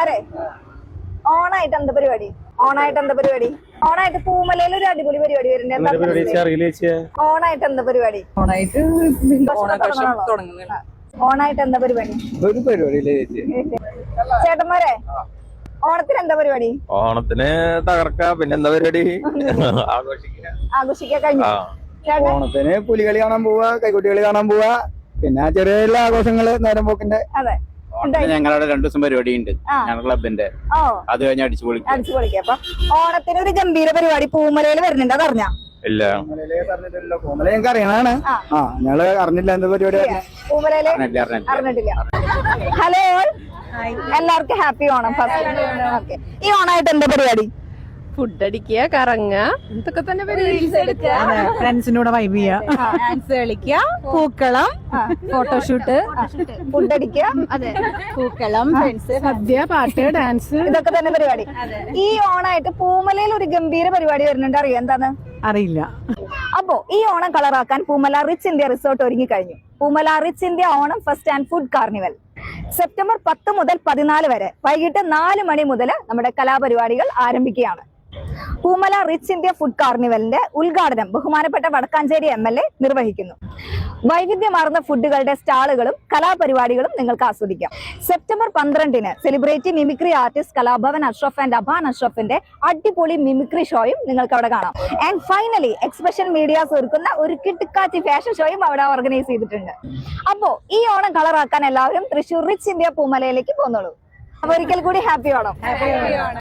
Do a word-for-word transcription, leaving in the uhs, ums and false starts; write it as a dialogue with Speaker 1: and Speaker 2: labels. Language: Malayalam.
Speaker 1: ചേട്ടന്മാരെ ഓണായിട്ട് എന്താ പരിപാടി? ഓണായിട്ട് എന്താ പരിപാടി? ഓണായിട്ട് പൂമലയിൽ ഒരു അടിപൊളി പരിപാടി വരുന്നുണ്ട്. ഓണായിട്ട് എന്താ പരിപാടി?
Speaker 2: ഓണായിട്ട്
Speaker 1: ഓണായിട്ട് എന്താ പരിപാടി?
Speaker 3: ഒരു പരിപാടി
Speaker 1: ചേട്ടന്മാരെ ഓണത്തിന് എന്താ പരിപാടി?
Speaker 4: ഓണത്തിന് തകർക്ക, പിന്നെ എന്താ പരിപാടി?
Speaker 1: ആഘോഷിക്കാൻ കഴിഞ്ഞു.
Speaker 3: ഓണത്തിന് പുലികളി കാണാൻ പോവാ, കൈക്കുട്ടികളി കാണാൻ പോവാ, പിന്നെ ചെറിയ എല്ലാ ആഘോഷങ്ങള് നേരം പോക്കിന്റെ.
Speaker 1: അതെ,
Speaker 5: ഞങ്ങളുടെ രണ്ടു ദിവസം പരിപാടി ഉണ്ട് ഞങ്ങളുടെ ക്ലബിന്റെ. അത് കഴിഞ്ഞ് അടിച്ചു പൊളിക്കും.
Speaker 1: അടിച്ചു പൊളിക്കാം. അപ്പൊ ഓണത്തിന് ഒരു ഗംഭീര പരിപാടി പൂമലയിൽ വരുന്നുണ്ട്, അതറിഞ്ഞ?
Speaker 4: ഇല്ല,
Speaker 3: പൂമല ഞങ്ങൾക്ക് അറിയണാണ്. ആ ഞങ്ങള് അറിഞ്ഞില്ല എന്ത് പരിപാടി.
Speaker 1: പൂമലയില് അറിഞ്ഞിട്ടില്ല. ഹലോ, എല്ലാവർക്കും ഹാപ്പി ഓണം. ഫസ്റ്റ് ഈ ഓണായിട്ട് എന്താ പരിപാടി?
Speaker 2: ഫുഡ് അടിക്കുക, കറങ്ങുക, ഇതൊക്കെ തന്നെ
Speaker 6: ഫ്രണ്ട്സിനോട് വൈബ് ചെയ്യുക, ഡാൻസ് കളിക്കുക, പൂക്കളം, ഫോട്ടോഷൂട്ട്,
Speaker 1: ഫുഡ് അടിക്കുക,
Speaker 6: അതെ, പൂക്കളം, ഫ്രണ്ട്സ്, സദ്യ, പാട്ട്, ഡാൻസ്,
Speaker 1: ഇതൊക്കെ തന്നെ പരിപാടി. ഈ ഓണായിട്ട് പൂമലയിൽ ഒരു ഗംഭീര പരിപാടി വരുന്നുണ്ട്, അറിയാം എന്താണ്?
Speaker 6: അറിയില്ല.
Speaker 1: അപ്പോ ഈ ഓണം കളറാക്കാൻ പൂമല റിച്ച് ഇന്ത്യ റിസോർട്ട് ഒരുങ്ങി കഴിഞ്ഞു. Poomala rich India Onam fest and food carnival September പത്ത് മുതൽ പതിനാല് വരെ വൈകിട്ട് നാല് മണി മുതൽ നമ്മുടെ കലാപരിപാടികൾ ആരംഭിക്കുകയാണ്. പൂമല റിച്ച് ഇന്ത്യ ഫുഡ് കാർണിവലിന്റെ ഉദ്ഘാടനം ബഹുമാനപ്പെട്ട വടക്കാഞ്ചേരി എം എൽ എ നിർവഹിക്കുന്നു. വൈവിധ്യമാർന്ന ഫുഡുകളുടെ സ്റ്റാളുകളും കലാപരിപാടികളും നിങ്ങൾക്ക് ആസ്വദിക്കാം. സെപ്റ്റംബർ പന്ത്രണ്ടിന് celebrity mimicry artist Kalabhavan Ashraf and Aban അഷ്റഫിന്റെ അടിപൊളി മിമിക്രി ഷോയും നിങ്ങൾക്ക് അവിടെ കാണാം. ആൻഡ് ഫൈനലി എക്സ്പ്രഷൻ മീഡിയാസ് ഒരുക്കുന്ന ഒരു കിട്ടുക്കാച്ചി ഫാഷൻ ഷോയും അവിടെ ഓർഗനൈസ് ചെയ്തിട്ടുണ്ട്. അപ്പോ ഈ ഓണം കളറാക്കാൻ എല്ലാവരും തൃശ്ശൂർ റിച്ച് ഇന്ത്യ പൂമലയിലേക്ക് പോന്നോളൂ. അപ്പൊ ഒരിക്കൽ കൂടി ഹാപ്പി ഓണം.